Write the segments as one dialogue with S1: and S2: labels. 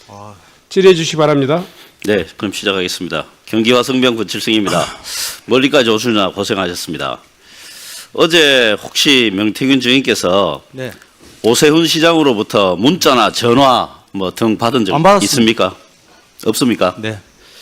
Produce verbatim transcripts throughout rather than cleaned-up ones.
S1: 질의해 주시기 바랍니다.
S2: 네, 그럼 시작하겠습니다. 경기와 성병 권칠승입니다. 멀리까지 오시느라 고생하셨습니다. 어제 혹시 명태균 증인께서
S3: 네.
S2: 오세훈 시장으로부터 문자나 전화 뭐 등 받은 적
S3: 안 받았습니다.
S2: 있습니까? 없습니까?
S3: 네.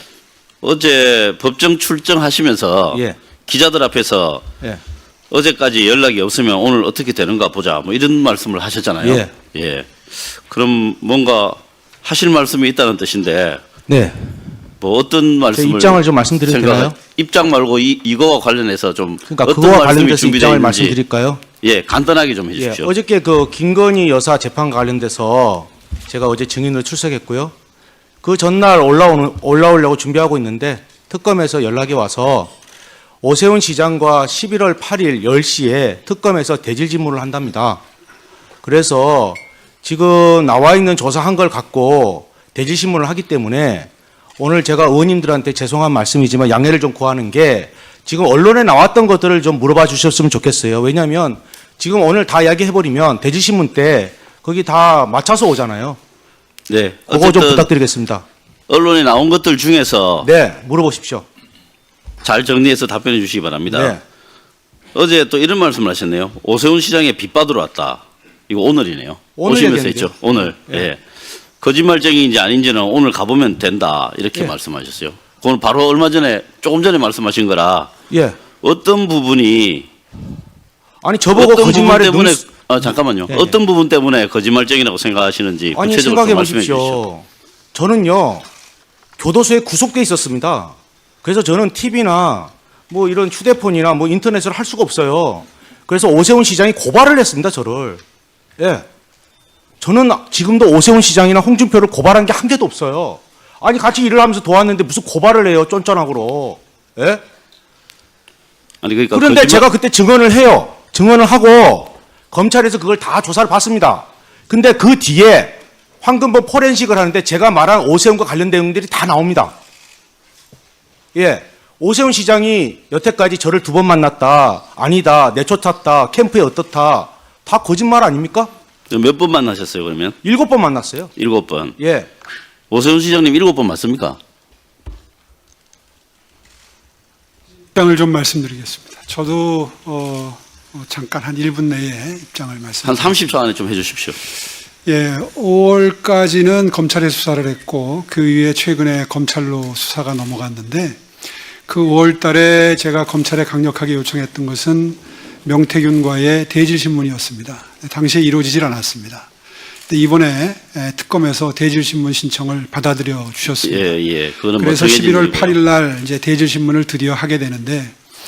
S2: 어제 법정 출정하시면서
S3: 예.
S2: 기자들 앞에서
S3: 예.
S2: 어제까지 연락이 없으면 오늘 어떻게 되는가 보자 뭐 이런 말씀을 하셨잖아요.
S3: 예.
S2: 예. 그럼 뭔가 하실 말씀이 있다는 뜻인데
S3: 네.
S2: 뭐 어떤 말씀을
S3: 입장을 좀 말씀드려도
S2: 생각-
S3: 되나요?
S2: 입장 말고 이 이거와 관련해서 좀
S3: 그러니까
S2: 어떤
S3: 그거와
S2: 말씀이
S3: 관련돼서
S2: 준비되어
S3: 입장을
S2: 있는지
S3: 말씀드릴까요?
S2: 예, 간단하게 좀
S3: 예.
S2: 해주십시오.
S3: 어저께 그 김건희 여사 재판 관련돼서 제가 어제 증인으로 출석했고요. 그 전날 올라오는 올라오려고 준비하고 있는데 특검에서 연락이 와서 오세훈 시장과 십일월 팔일 열 시에 특검에서 대질 질문을 한답니다. 그래서 지금 나와 있는 조사한 걸 갖고 대질 신문을 하기 때문에 오늘 제가 의원님들한테 죄송한 말씀이지만 양해를 좀 구하는 게 지금 언론에 나왔던 것들을 좀 물어봐 주셨으면 좋겠어요. 왜냐하면 지금 오늘 다 이야기해버리면 대질 신문 때 거기 다 맞춰서 오잖아요.
S2: 네,
S3: 그거 좀
S2: 어쨌든
S3: 부탁드리겠습니다.
S2: 언론에 나온 것들 중에서
S3: 네, 물어보십시오.
S2: 잘 정리해서 답변해 주시기 바랍니다.
S3: 네,
S2: 어제 또 이런 말씀을 하셨네요. 오세훈 시장에 빚 받으러 왔다. 이거 오늘이네요.
S3: 오늘
S2: 오시면서
S3: 얘기했는데요.
S2: 했죠. 오늘.
S3: 예.
S2: 예. 거짓말쟁이인지 아닌지는 오늘 가보면 된다. 이렇게
S3: 예.
S2: 말씀하셨어요. 그건 바로 얼마 전에 조금 전에 말씀하신 거라
S3: 예.
S2: 어떤 부분이
S3: 아니 저보고
S2: 어떤
S3: 거짓말에
S2: 부분 때문에
S3: 눈...
S2: 아, 잠깐만요.
S3: 예, 예.
S2: 어떤 부분 때문에 거짓말쟁이라고 생각하시는지
S3: 아니
S2: 구체적으로
S3: 생각해
S2: 좀 말씀해 주십시오.
S3: 보십시오. 저는요 교도소에 구속돼 있었습니다. 그래서 저는 티비나 뭐 이런 휴대폰이나 뭐 인터넷을 할 수가 없어요. 그래서 오세훈 시장이 고발을 했습니다. 저를. 예. 저는 지금도 오세훈 시장이나 홍준표를 고발한 게 한 개도 없어요. 아니 같이 일을 하면서 도왔는데 무슨 고발을 해요, 쫀쫀하고로. 예?
S2: 아니 그러니까
S3: 그런데
S2: 거짓말-
S3: 제가 그때 증언을 해요. 증언을 하고 검찰에서 그걸 다 조사를 받습니다. 근데 그 뒤에 황금범 포렌식을 하는데 제가 말한 오세훈과 관련된 내용들이 다 나옵니다. 예. 오세훈 시장이 여태까지 저를 두 번 만났다. 아니다. 내쫓았다. 캠프에 어떻다. 다 거짓말 아닙니까?
S2: 몇 번 만나셨어요 그러면?
S3: 일곱 번 만났어요.
S2: 일곱 번.
S3: 예.
S2: 오세훈 시장님 일곱 번 맞습니까?
S4: 입장을 좀 말씀드리겠습니다. 저도 어, 어, 잠깐 한 일 분 내에 입장을
S2: 한
S4: 말씀드립니다.
S2: 삼십 초 안에 좀 해주십시오.
S4: 예, 오월까지는 검찰에 수사를 했고 그 이후에 최근에 검찰로 수사가 넘어갔는데 그 오월 달에 제가 검찰에 강력하게 요청했던 것은 명태균과의 대질 신문이었습니다. 당시에 이루어지질 않았습니다. 근데 이번에 특검에서 대질 신문 신청을 받아들여 주셨습니다.
S2: 예, 예. 그거는 뭐
S4: 그래서
S2: 정해진
S4: 십일월
S2: 일이고요.
S4: 팔일 날 이제 대질 신문을 드디어 하게 되는데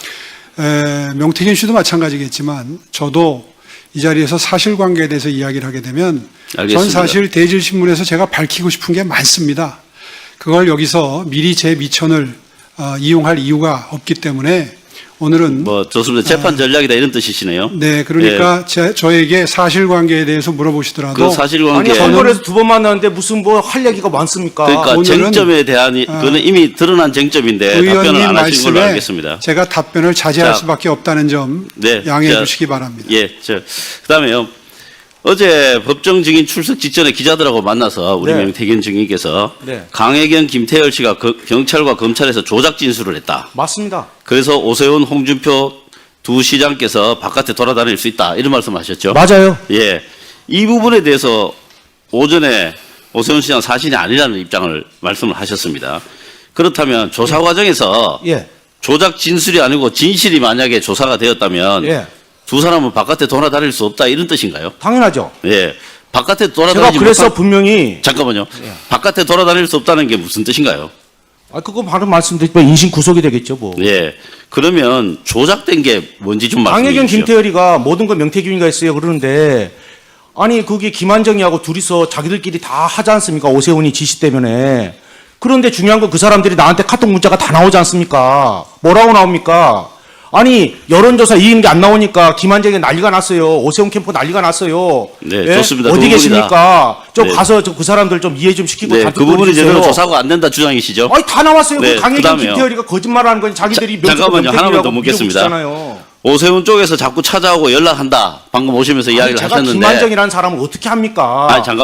S4: 에, 명태균 씨도 마찬가지겠지만 저도 이 자리에서 사실관계에 대해서 이야기를 하게 되면
S2: 알겠습니다.
S4: 전 사실 대질 신문에서 제가 밝히고 싶은 게 많습니다. 그걸 여기서 미리 제 미천을 어, 이용할 이유가 없기 때문에 오늘은
S2: 뭐 좋습니다. 재판 전략이다 이런 뜻이시네요.
S4: 네, 그러니까 제, 저에게 사실관계에 대해서 물어보시더라도
S2: 그 사실관계
S3: 아니 선거에서 두 번 만났는데 무슨 뭐 할 얘기가 많습니까?
S2: 그러니까
S4: 오늘은-
S2: 쟁점에 대한 이- 그거는 이미 드러난 쟁점인데 답변을
S4: 의원님
S2: 안 하신 걸로
S4: 말씀에
S2: 알겠습니다.
S4: 제가 답변을 자제할
S2: 자,
S4: 수밖에 없다는 점
S2: 네,
S4: 양해해
S2: 자,
S4: 주시기 바랍니다.
S2: 예, 저 그다음에요. 어제 법정 증인 출석 직전에 기자들하고 만나서 우리
S3: 네.
S2: 명태균 증인께서
S3: 네.
S2: 강혜경, 김태열 씨가 거- 경찰과 검찰에서 조작 진술을 했다.
S3: 맞습니다.
S2: 그래서 오세훈, 홍준표 두 시장께서 바깥에 돌아다닐 수 있다 이런 말씀하셨죠.
S3: 맞아요.
S2: 예, 이 부분에 대해서 오전에 오세훈 시장 사실이 아니라는 입장을 말씀을 하셨습니다. 그렇다면 조사 과정에서
S3: 예.
S2: 조작 진술이 아니고 진실이 만약에 조사가 되었다면
S3: 예.
S2: 두 사람은 바깥에 돌아다닐 수 없다 이런 뜻인가요?
S3: 당연하죠.
S2: 예, 바깥에
S3: 제가
S2: 돌아다니지
S3: 그래서
S2: 못한
S3: 분명히
S2: 잠깐만요.
S3: 예.
S2: 바깥에 돌아다닐 수 없다는 게 무슨 뜻인가요?
S3: 아 그거 바로 말씀드리면 인신 구속이 되겠죠 뭐.
S2: 예, 그러면 조작된 게 뭔지 좀 말씀해
S3: 강혜경
S2: 주십시오.
S3: 김태열이가 모든 건 명태균이가 했어요 그러는데 아니 그게 김한정이하고 둘이서 자기들끼리 다 하지 않습니까? 오세훈이 지시 때문에. 그런데 중요한 건 그 사람들이 나한테 카톡 문자가 다 나오지 않습니까? 뭐라고 나옵니까? 아니 여론조사 이긴 게 안 나오니까 김한정이 난리가 났어요. 오세훈 캠프 난리가 났어요.
S2: 네,
S3: 예?
S2: 좋습니다.
S3: 어디
S2: 그
S3: 계십니까? 좀
S2: 네.
S3: 가서 저 그 사람들 좀 이해 좀 시키고
S2: 네,
S3: 다
S2: 그 부분이
S3: 듣고
S2: 제대로
S3: 해주세요.
S2: 조사가 안 된다 주장이시죠?
S3: 아니 다 나왔어요.
S2: 네,
S3: 그 강혜경
S2: 그다음에요.
S3: 김태열이가 거짓말하는 건 자기들이
S2: 자, 잠깐만요. 하나만 더 묻겠습니다.
S3: 묻겠습니다.
S2: 오세훈 쪽에서 자꾸 찾아오고 연락한다. 방금 오시면서 이야기를
S3: 제가
S2: 하셨는데.
S3: 김한정이라는 사람을 어떻게 합니까?
S2: 아니 잠깐만요.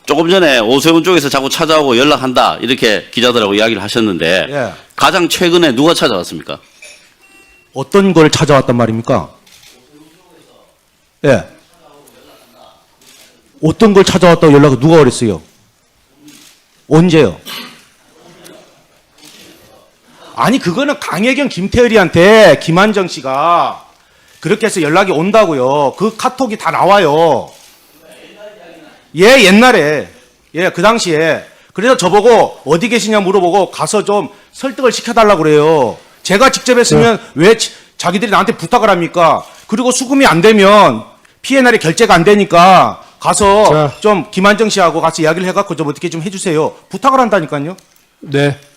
S2: 조금 전에 오세훈 쪽에서 자꾸 찾아오고 연락한다 이렇게 기자들하고 이야기를 하셨는데
S3: 예.
S2: 가장 최근에 누가 찾아왔습니까?
S3: 어떤 걸 찾아왔단 말입니까? 예. 어떤 걸 찾아왔다고 연락을 누가 그랬어요? 언제요? 아니 그거는 강혜경 김태열이한테 김한정 씨가 그렇게 해서 연락이 온다고요. 그 카톡이 다 나와요. 예, 옛날에. 예, 그 당시에. 그래서 저보고 어디 계시냐 물어보고 가서 좀 설득을 시켜달라고 그래요. 제가 직접 했으면 왜 지- 자기들이 나한테 부탁을 합니까? 그리고 수금이 안 되면 피엔알이 결제가 안 되니까 가서
S1: 자.
S3: 좀 김한정 씨하고 같이 이야기를 해갖고 좀 어떻게 좀 해주세요. 부탁을 한다니까요.
S1: 네.